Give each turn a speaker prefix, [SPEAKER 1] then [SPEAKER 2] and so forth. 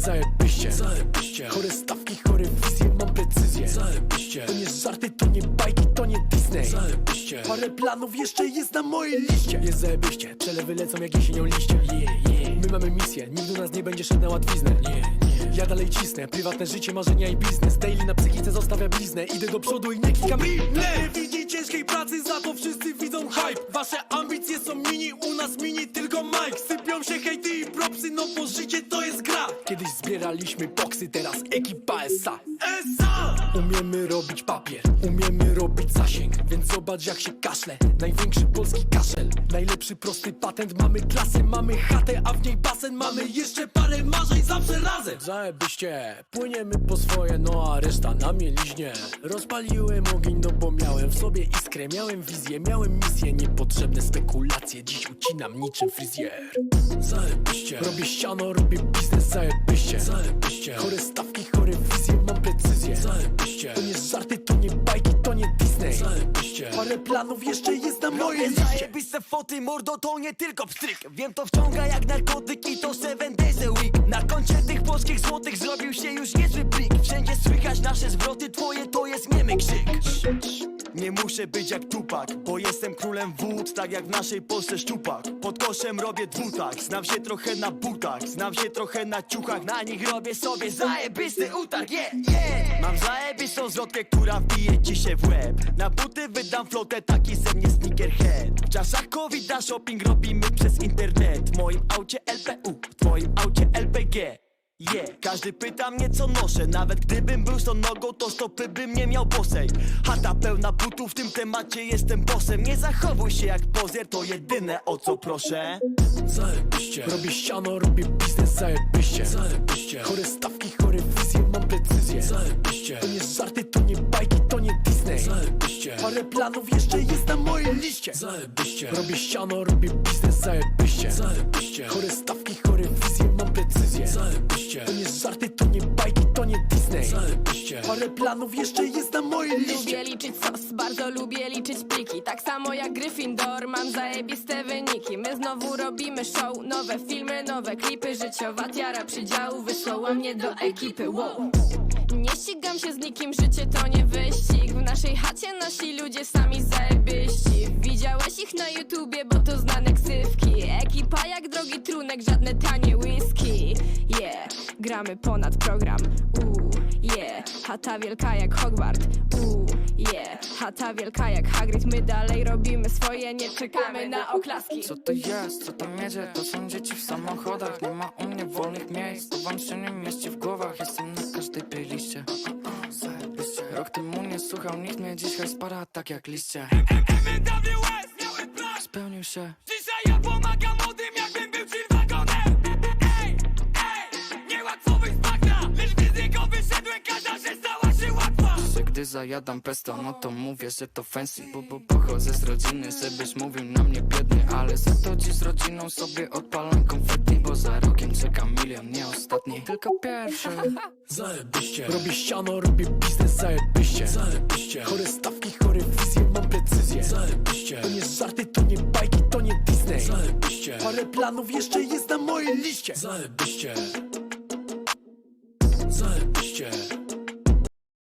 [SPEAKER 1] zajebiście, zajebiście. Chore stawki, chore wizje, mam precyzję, zajebiście. To nie żarty, to nie bajki, to nie Disney, zajebiście. Parę planów jeszcze jest na mojej liście. Jest zajebiście, przelewy lecą jak jesienią liście. My mamy misję, nikt do nas nie będzie szedł na łatwiznę. Ja dalej cisnę, prywatne życie, marzenia i biznes. Daily na psychice zostawia bliznę. Idę do przodu i nie klikam nie widzi ciężkiej pracy, za to wszyscy widzą hype. Wasze ambicje są mini, u nas mini tylko Mike. Sypią się hejty i propsy, no bo życie to jest gra. Kiedyś zbieraliśmy boksy, teraz ekipa SA. Umiemy robić papier, umiemy robić zasięg. Więc zobacz jak się kaszle, największy polski kaszel. Najlepszy prosty patent, mamy klasę, mamy chatę, a w niej basen. Mamy jeszcze parę marzeń, zawsze razem. Zajebiście, płyniemy po swoje, no a reszta na mieliźnie. Rozpaliłem ogień, no bo miałem w sobie iskrę. Miałem wizję, miałem misję, niepotrzebne spekulacje. Dziś ucinam niczym fryzjer. Zajebiście, robię ściano, robię biznes, zajebiście, zajebiście. Chore stawki, chore wizje, mam precyzję, zajebiście. To nie żarty, to nie bajki, to nie Disney, zajebiście. Parę planów jeszcze jest na mojej liście.
[SPEAKER 2] Zajebiste foty, mordo, to nie tylko pstryk. Wiem, to wciąga jak narkotyk i to 7 days a week. Na koncie tych polskich złotych zrobił się już niezły plik. Wszędzie słychać nasze zwroty, twoje to jest niemy krzyk. Nie muszę być jak Tupac, bo jestem królem wód, tak jak w naszej Polsce szczupak. Pod koszem robię dwutak, znam się trochę na butach, znam się trochę na ciuchach. Na nich robię sobie zajebisty utarg, Mam zajebistą zwrotkę, która wbije ci się w łeb. Na buty wydam flotę, taki ze mnie sneakerhead. W czasach COVID-a shopping robimy przez internet. W moim aucie LPU, w twoim aucie LPG. Każdy pyta mnie co noszę, nawet gdybym był nogą, to stopy bym nie miał bosej. Chata pełna butów, w tym temacie jestem bossem. Nie zachowuj się jak pozer, to jedyne o co proszę.
[SPEAKER 1] Zajebiście, robię ściano, robię biznes, zajebiście, zajebiście. Chore stawki, chore wizje, mam precyzję, zajebiście. To nie żarty, to nie bajki, to nie Disney, zajebiście. Parę planów jeszcze jest na mojej liście. Zajebiście, robię ściano, robię biznes, zajebiście, zajebiście. Chore stawki, chore wizje, mam precyzję, zajebiście. To nie żarty, to nie bajki, to nie Disney, zajebiście. Parę planów jeszcze jest na mojej liście.
[SPEAKER 3] Lubię liczyć sos, bardzo lubię liczyć pliki. Tak samo jak Gryffindor, mam zajebiste wyniki. My znowu robimy show, nowe filmy, nowe klipy. Życiowa tiara przydziału wysłała mnie do ekipy, wow. Nie ścigam się z nikim, życie to nie wyścig. W naszej chacie nasi ludzie sami zajebiści. Widziałeś ich na YouTubie, bo to znane ksywki. Ekipa jak drogi trunek, żadne tanie whisky. Gramy ponad program, chata wielka jak Hogwart, chata wielka jak Hagrid. My dalej robimy swoje, nie czekamy na oklaski.
[SPEAKER 4] Co to jest, co tam jedzie? To są dzieci w samochodach. Nie ma u mnie wolnych miejsc, to wam się nie mieści w głowach. Jestem na każdej playliście. Zajebiście. Rok temu nie słuchał nikt mnie, dzisiaj spara tak jak liście.
[SPEAKER 5] MWS miałem plan,
[SPEAKER 4] Spełnił się.
[SPEAKER 5] dzisiaj ja pomagam młodym, jakbym był G-Wagonem. Niełatwo wyjść z bagna, lecz gdy z niego wyszedłem, każda rzecz stała się łatwa.
[SPEAKER 4] Że gdy zajadam pesto, no to mówię, że to fancy. Bo pochodzę z rodziny, żebyś mówił na mnie biedny. Ale za to dziś z rodziną sobie odpalam konfetti. Bo za rokiem czeka milion, nie ostatni, tylko pierwszy.
[SPEAKER 1] Zajebiście, robię ściano, robię biznes, zajebiście, zajebiście. Chore stawki, chore wizje, mam precyzję, zajebiście. To nie żarty, to nie bajki, to nie Disney, zajebiście. Parę planów jeszcze jest na mojej liście. Zajebiście.